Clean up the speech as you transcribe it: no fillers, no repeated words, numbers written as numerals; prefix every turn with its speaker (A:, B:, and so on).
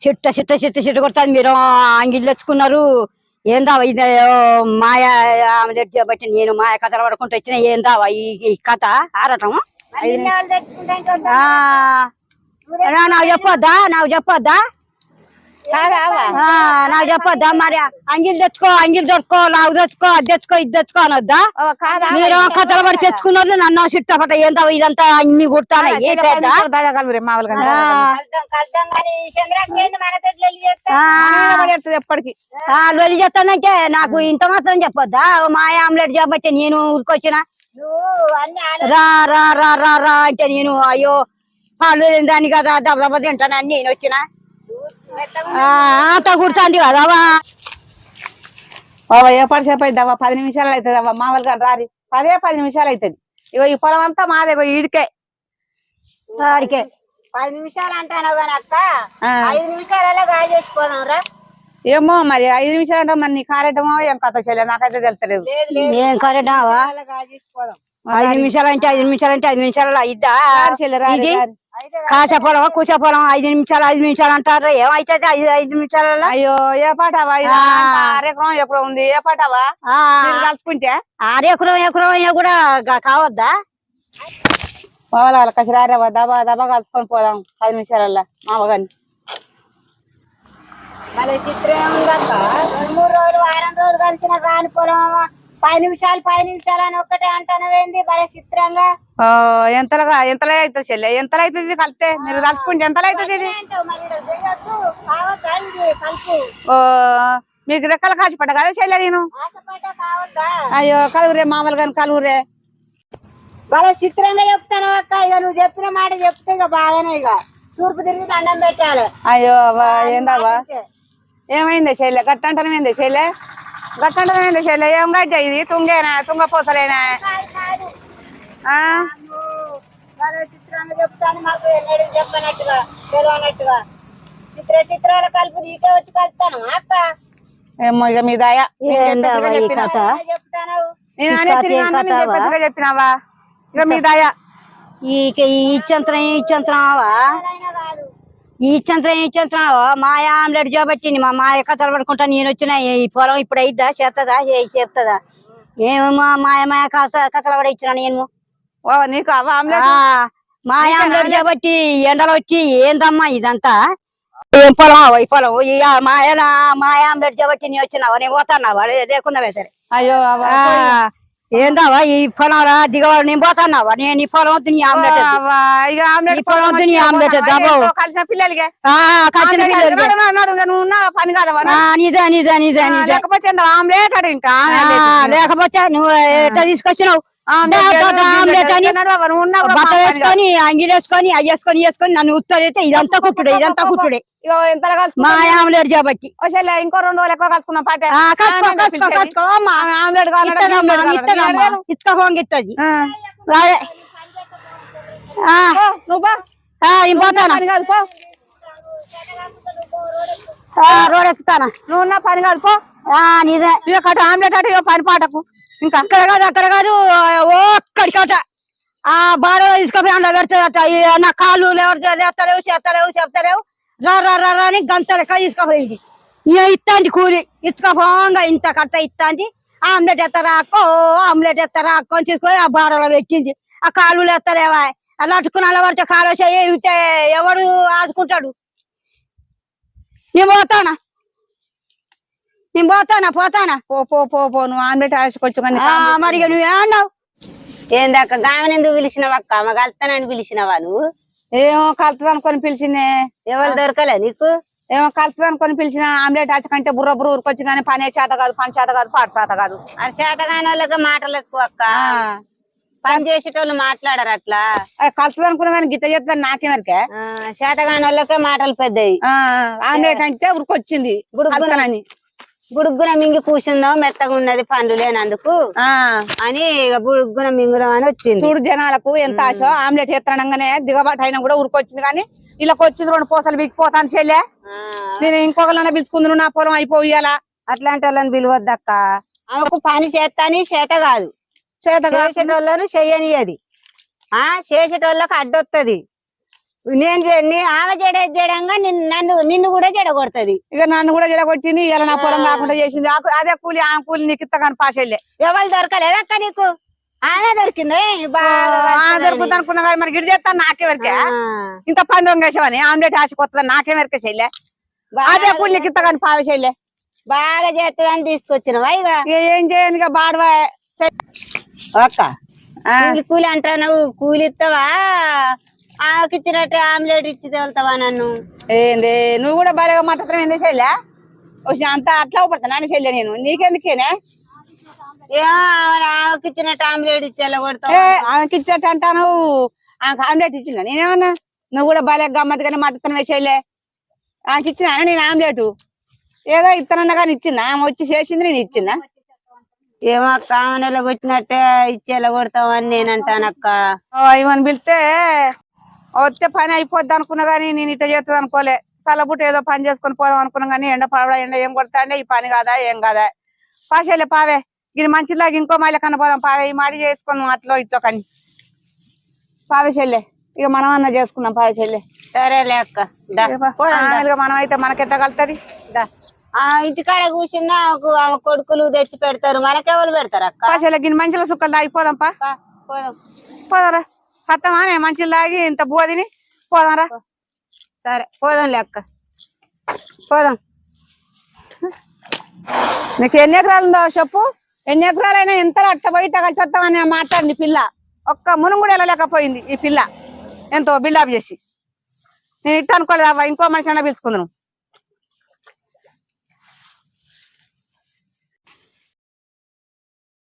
A: చిట్ట కొడతాను. మీరు అంగిళ్ళు తెచ్చుకున్నారు. ఏందావా ఇది? మాయా ఆమ్లెట్ కాబట్టి నేను మాయ కథలు పడుకుంటూ వచ్చిన. ఏందావా ఈ కథ ఆడటం? నాకు చెప్పొద్దా నాకు చెప్పొద్దా? మరి అంగిల్ దొరుకో లావు తెచ్చుకో, అది తెచ్చుకో, ఇది తెచ్చుకో అనొద్దా? మీరు కథలు పడి తెచ్చుకున్నారు. నన్ను చుట్టపట ఏందా ఇదంతా అన్ని కుడతాను. ఎప్పటికి లొలి చేస్తానంటే నాకు ఇంత మాత్రం చెప్పొద్దా? మాయ ఆమ్లెట్ చెప్పచ్చే నేను ఊరికొచ్చిన. రా రా రా రా రా అంటే నేను అయ్యో పాలు దాని కదా దెబ్బ తింటానని నేను వచ్చిన. ఆట కుడుతుంది కదవా?
B: ఎప్పటి సేపు అవుతుందవ్వా? 10 నిమిషాలు అవుతుంది అవ్వ. మామూలుగా రారి 10 నిమిషాలు అవుతుంది. ఇగో ఈ పొలం అంతా మాదే. ఈడికే
A: 10 నిమిషాలు అంటాను కానీ అక్క 5 నిమిషాలలో గాయ చేసిపోదాం రా.
B: ఏమో మరి 5 నిమిషాలు అంటే మరి నీ కారేటమో ఏం కథ చేయలేదు. నాకైతే తెలుస్తలేదు.
A: ఏం కారేటమా? 5 నిమిషాలు అంటే 5 నిమిషాలు అంటే 5 నిమిషాలలో అయిద్దా? కాచపోవడం కూర్చోపోవడం 5 నిమిషాలు అంటారు. ఏమైతుంది 5 నిమిషాలలో?
B: అయ్యో ఏ పాటవా? అరెకరం ఎక్కడ ఉంది? ఏ పాటవా కలుసుకుంటే?
A: ఎకరం కూడా కావద్దా?
B: పోవాలి కసిరారేవా? దబా దబా కలుసుకొని పోదాం 10 నిమిషాలల్లో మామగాని.
A: మళ్ళీ చిత్రం ఏముందక్క? 2-3 రోజులు వారం రోజులు కలిసిన కాని పొలం 10 నిమిషాలు అని ఒక్కటే అంటానవేంది? భలే చిత్రంగా.
B: ఎంతలా అవుతుంది చెల్లె? ఎంతలో అవుతుంది కలిస్తే? మీరు కలుసుకుంటే ఎంతలో అవుతుంది ఇది? మీకు రెక్కల కాచిపడ్డ కదా చెల్లె నేను? అయ్యో కలుగురే మామూలుగా కలుగురే.
A: భలే చిత్రంగా చెప్తాను అక్క. ఇక నువ్వు చెప్పిన మాట చెప్తే ఇక బాగానే ఇక తూర్పు తిరిగి దండం పెట్టాలి.
B: అయ్యో ఏందావా? ఏమైంది చెల్లె? గట్టంటనేమైంది చెల్లె? గట్టంటనేమైంది చెల్లె? ఏం గడ్డ ఇది? తుంగేనా? తుంగపోతలేనా?
A: చిత్రంగా చెప్తాను. మాకు ఎన్నడూ చెప్పనట్టుగా తెలియనట్టుగా చిత్రాల కలుపు నీకే వచ్చి కలుపుతాను అక్క.
B: ఏమో ఇక మీ దయ.
A: చెప్తాను
B: నేను చెప్పినావా? ఇక మీ దయ.
A: ఈ చంత్రం మాయ ఆమ్లెట్ జోబెట్టింది. మా మాయ కథలు పడుకుంటా నేను వచ్చిన. ఈ పొలం ఇప్పుడు అయిద్దా? చేస్తుందా? ఏమో మాయ కథలు పడి ఇచ్చిన నేను.
B: నీకు
A: మాయ ఆమ్లెట్ జోబెట్టి ఎండలు వచ్చి ఏందమ్మా ఇదంతా? ఏం పొలం ఈ పొలం? మాయ ఆమ్లెట్ జోబెట్టి నీ వచ్చినావా? నేను పోతాన్నావా? లేకున్నావే సరే.
B: అయ్యో
A: ఏందావా ఈ పొలం రా దిగవాడు? నేను పోతాన్నావా? నేను ఈ పొలం వద్దు నీ ఆమ్లెట్ పొలం వద్దు నీ ఆమ్లెట్
B: కలిసిన పిల్లలకి పని కాదవా?
A: లేకపోతే
B: ఆమ్లెట్ అడు ఇంకా
A: లేకపోతే నువ్వు ఎట్లా తీసుకొచ్చినావు? ఆమ్లెట్ అని బట్ట వేసుకొని అంగిలు వేసుకొని వేసుకొని నన్ను ఉత్తరైతే ఇదంతా కుట్టుడే మా ఆమ్లెట్ కాబట్టి.
B: ఇంకో 2 రోజులు ఎక్కువ కలుసుకున్నాం పాట.
A: ఆమ్లెట్ ఇస్తుంది. రోడ్ ఎక్కుతానా?
B: నువ్వు ఉన్న పని కాదు పో.
A: నిజే
B: ఆమ్లెట్ అటు పని పాటకు. ఇంకా
A: అక్కడ కాదు ఒక్కడికట ఆ బాడలో తీసుకొని అందులో పెడతాదట. నా కాళ్ళు లేస్తలేవు చెప్తలేవు రా అని గంట లెక్క తీసుకుపోయింది. ఇక ఇస్తాంది కూలి ఇసుకపోంగా ఇంత కట్ట ఇస్తాంది. ఆమ్లెట్ ఎత్తరాకో అని తీసుకొని ఆ బాడలో పెట్టింది. ఆ కాళ్ళు లేస్తలేవా? అలా అట్టుకుని అలా పడితే కాలు చేయితే ఎవడు ఆదుకుంటాడు? నేను పోతానా
B: పో నువ్వు ఆమ్లెట్ ఆశకొచ్చు.
A: మరి నువ్వేమన్నావు?
C: ఏందక్క గామెను ఎందుకు పిలిచినావక్క? మా కలుతానని పిలిచినావా నువ్వు?
B: ఏమో కలుతుంది అనుకొని పిలిచిందే.
C: ఎవరు దొరకలే నీకు?
B: ఏమో కలుతుంది అనుకొని పిలిచిన. ఆమ్లెట్ ఆచకంటే బుర్ర ఊరుకొచ్చి కానీ పనే చేత కాదు, పని చేత కాదు, పాట చేత కాదు.
C: అది చేత కాని వాళ్ళకి మాటలు ఎక్కువ అక్క. పని చేసేటోళ్ళు మాట్లాడరు అట్లా.
B: కలుతుంది అనుకున్నా కానీ గిట్ట చేస్తుంది నాకేమరికే.
C: చేత కాని వాళ్ళకే మాటలు పెద్దవి.
B: ఆమ్లెట్ అంటే ఊరుకొచ్చింది
C: బుడుగ్గున మింగి కూర్చుందాం, మెత్తగా ఉన్నది పండ్లు లేనందుకు అని బుడుగ్గున మింగుదాం అని వచ్చింది.
B: చూడు జనాలకు ఎంత ఆశ. ఆమ్లెట్ ఎత్తనంగానే దిగబాటు అయినా కూడా ఊరుకొచ్చింది. కానీ ఇలా వచ్చింది 2 పూసలు బిగిపోతాను చెల్లె. నేను ఇంకొకళ్ళన్నా పిలుచుకుందును నా పొలం అయిపోయాలా?
C: అట్లాంటి వాళ్ళని పిలవద్దక్క. ఆమెకు పని చేస్తాని చేత కాదు, చేసేటోళ్ళను చెయ్యనియది. చేసేటోళ్ళకి అడ్డొత్తది. ఆమె జడంగా నిన్ను కూడా జడగొడుతుంది.
B: ఇక నన్ను కూడా జడగొట్టింది. ఇలా నా పొలం కాకుండా చేసింది. అదే కూలి ఆమె కూలి నీకు ఇస్తా కానీ పాషెళ్ళే.
C: ఎవరు దొరకలేదు అక్క నీకు? ఆమె దొరికింది
B: దొరుకుతా అనుకున్నా కానీ మరి గిడి చేస్తాను నాకే వరకే. ఇంత పని దొంగేసావని ఆమ్లెట్ ఆశకొస్తుందని నాకే వరకే చెల్లె. అదే కూలి నీకు ఇస్తా కానీ పావ చెల్లె.
C: బాగా చేస్తుందని తీసుకొచ్చినవా? ఇక
B: ఏం చేయను ఇక బాడవా
C: అక్క. కూలి అంటావు, కూలి ఇస్తావా? ఆమెకి ఇచ్చినట్టు ఆమ్లెట్ ఇచ్చి వెళ్తావా నన్ను?
B: ఏంది నువ్వు కూడా బాగా మాట్లాడతావు ఏంది చెల్లె? అంత అట్లా పడతాను చెల్లె నేను నీకెందుకేనే?
C: ఆమెకి ఇచ్చినట్టు ఆమ్లెట్ ఇచ్చి వెళ్ళగొడతావు.
B: ఆమెకి ఇచ్చినట్టు అంటాను. ఆమెకు ఆమ్లెట్ ఇచ్చిందా నేనేమన్నా? నువ్వు కూడా బాగా గమ్మత్తుగానే మాట్లాడుతున్నావే చెల్లె. ఆమెకి ఇచ్చినా నేను ఆమ్లెట్ ఏదో ఇత్తనన్నా కానీ ఇచ్చిందా? ఆమె వచ్చి చేసింది నేను ఇచ్చిందా?
C: ఏమో అక్క, ఆమె వచ్చినట్టే ఇచ్చి వెళ్ళగొడతావని నేను అంటానక్క.
B: ఇవన్నీ పిలిస్తే వస్తే పని అయిపోద్ది అనుకున్నా గానీ నేను ఇట్లా చేస్తుంది అనుకోలే. చల్లబుట్ట ఏదో పని చేసుకొని పోదాం అనుకున్నా గానీ ఎండ పడవ ఎండ ఏం కొడతాండే ఈ పని కాదా ఏం కాదా పాషేలే పావే. ఇది మంచిలాగా ఇంకో మైల కన్నా పోదాం పావే. ఈ మాడి చేసుకున్నాం అట్లో ఇట్లో కానీ పావే చెల్లె. ఇక మనం అన్న చేసుకుందాం పావే చెల్లె.
C: సరేలే అక్క.
B: మనం అయితే మనకెట్లా కలుతుంది?
C: ఆ ఇంటికాడ కూర్చున్నా ఆమె కొడుకులు తెచ్చి పెడతారు, మనకెవరు పెడతారు అక్క?
B: పాషేలే గిన్నె మంచిలో సుక్కలు తాగిపోదాం పా. పోదాంరా సత్తమా మంచిలు తాగి ఇంత బోదిని పోదాంరా.
C: సరే పోదాంలే అక్క, పోదాం.
B: నీకు ఎన్ని ఎకరాలు ఉందో చెప్పు. ఎన్ని ఎకరాలైనా ఎంతలో అట్ట పోయి కలిసి వస్తామని మాట్లాడింది పిల్ల. ఒక్క మునుగు కూడా వెళ్ళలేకపోయింది ఈ పిల్ల. ఎంతో బిల్డప్ చేసి. నేను ఇట్ట అనుకోలేదు ఇంకో మనిషి అన్నా పిలుచుకుందాను.